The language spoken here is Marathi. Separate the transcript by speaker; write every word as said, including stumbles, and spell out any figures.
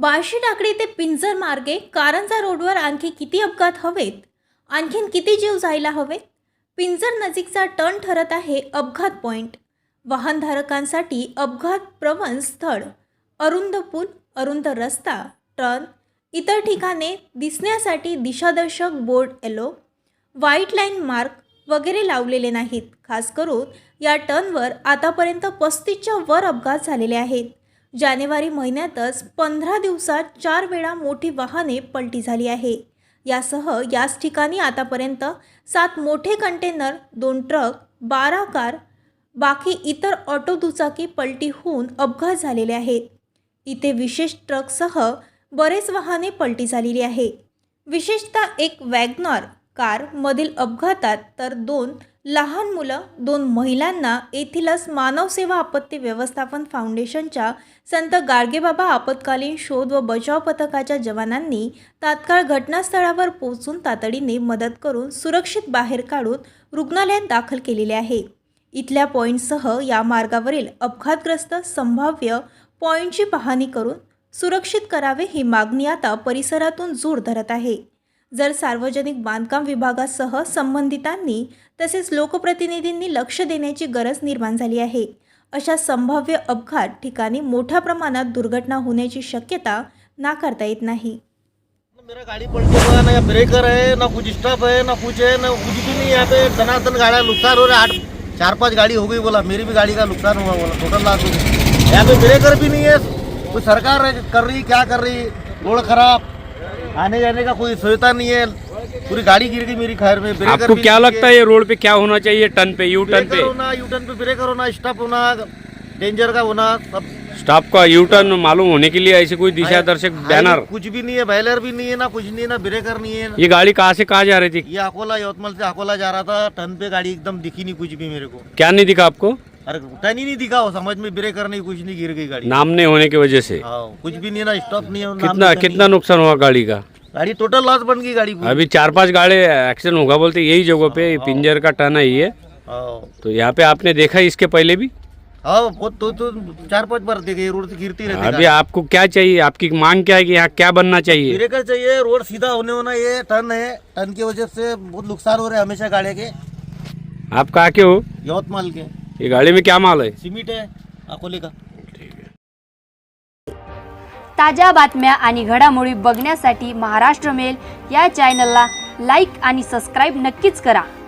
Speaker 1: बार्शी टाकळी ते पिंजर मार्गे कारंजा रोडवर आणखी किती अपघात हवेत? आणखीन किती जीव जायला हवेत? पिंजर नजीकचा टर्न ठरत आहे अपघात पॉइंट. वाहनधारकांसाठी अपघात प्रवण स्थळ. अरुंद पूल, अरुंद रस्ता, टर्न, इतर ठिकाणे दिसण्यासाठी दिशादर्शक board, yellow, white line mark वगैरे लावलेले नाहीत. खास करून या टर्नवर आतापर्यंत पस्तीसच्या वर अपघात झालेले आहेत. जानेवारी महिन्यातच पंधरा दिवसात चार वेळा मोठी वाहने पलटी झाली आहे. यासह याच ठिकाणी आतापर्यंत सात मोठे कंटेनर, दोन ट्रक, बारा कार, बाकी इतर ऑटो दुचाकी पलटी होऊन अपघात झालेले आहेत. इथे विशेष ट्रकसह बरेच वाहने पलटी झालेली आहे. विशेषतः एक वॅगनर कार मधील अपघातात तर दोन लहान मुलं, दोन महिलांना येथीलच मानव सेवा आपत्ती व्यवस्थापन फाउंडेशनच्या संत गाडगेबाबा आपत्कालीन शोध व बचाव पथकाच्या जवानांनी तात्काळ घटनास्थळावर पोहोचून तातडीने मदत करून सुरक्षित बाहेर काढून रुग्णालयात दाखल केलेले आहे. इथल्या पॉईंटसह या मार्गावरील अपघातग्रस्त संभाव्य पॉईंटची पाहणी करून सुरक्षित करावे ही मागणी आता परिसरातून जोर धरत आहे. जर सार्वजनिक बांधकाम विभागासह संबंधितांनी तसेच लोकप्रतिनिधींनी लक्ष देण्याची गरज निर्माण झाली आहे. अशा संभाव्य अपघात ठिकाणी मोठ्या प्रमाणात दुर्घटना होण्याची शक्यता नाकारता येत नाही.
Speaker 2: मेरा गाड़ी पलटी हुआ, ना ब्रेकर है, ना कुछ स्टॉप है, ना कुछ है, ना कुछ भी नहीं. यहाँ पे धनाधन गाड़ियाँ नुकसान हो रहा है. आठ चार पांच गाड़ी हो गई बोला, मेरी भी गाड़ी का नुकसान हुआ बोला, टोटल लाख. यहाँ पे ब्रेकर भी नहीं है. कोई सरकार कर रही, क्या कर रही, रोड खराब, आने जाने का कोई सुविधा नहीं है. पूरी गाड़ी गिर गई मेरी खैर में. ब्रेकर
Speaker 3: आपको क्या लगता है ये रोड पे क्या होना चाहिए? टर्न पे, यू टर्न पे
Speaker 2: होना, यू टर्न पे ब्रेकर होना, स्टॉप होना, डेंजर का होना, सब.
Speaker 3: स्टॉप का यू टर्न मालूम होने के लिए ऐसे कोई दिशा दर्शक बैनर?
Speaker 2: कुछ भी नहीं है, बैलर भी नहीं है, ना कुछ नहीं है, ना ब्रेकर नहीं है.
Speaker 3: ये गाड़ी कहाँ से कहाँ जा रही थी?
Speaker 2: ये अकोला, यवतमाल से अकोला जा रहा था. टर्न पे गाड़ी एकदम दिखी नहीं कुछ भी मेरे को.
Speaker 3: क्या नहीं दिखा आपको?
Speaker 2: अरे टर्न ही नहीं दिखा, हो समझ में ब्रेकर नहीं, कुछ नहीं, गिर गई गाड़ी.
Speaker 3: नाम नहीं होने की वजह से
Speaker 2: हाँ, कुछ भी नहीं है, ना स्टॉप नहीं है.
Speaker 3: कितना कितना नुकसान हुआ गाड़ी का?
Speaker 2: गाड़ी टोटल लॉस बन गई गाड़ी.
Speaker 3: अभी चार पांच गाड़ी एक्सीडेंट होगा बोलते, यही जगह पे पिंजर का टर्न है ये. तो यहाँ पे आपने देखा इसके पहले भी?
Speaker 2: हाँ, वो तो, तो चार पांच बार देखे, रोड से गिरती रहती.
Speaker 3: अभी आपको क्या चाहिए? आपकी मांग क्या है कि यहाँ क्या बनना चाहिए?
Speaker 2: ब्रेकर चाहिए, रोड सीधा होने होना. ये टर्न है, टर्न की वजह से बहुत नुकसान हो रहे हैं हमेशा गाड़ी के.
Speaker 3: आप कहाँ के हो?
Speaker 2: यवतमाल के.
Speaker 3: ये गाड़ी में क्या माल है?
Speaker 2: सिमेंट है अकोले का.
Speaker 4: ताज्या बातम्या आणि घडामोडी बघण्यासाठी महाराष्ट्र मेल या चॅनलला लाईक आणि सबस्क्राईब नक्कीच करा.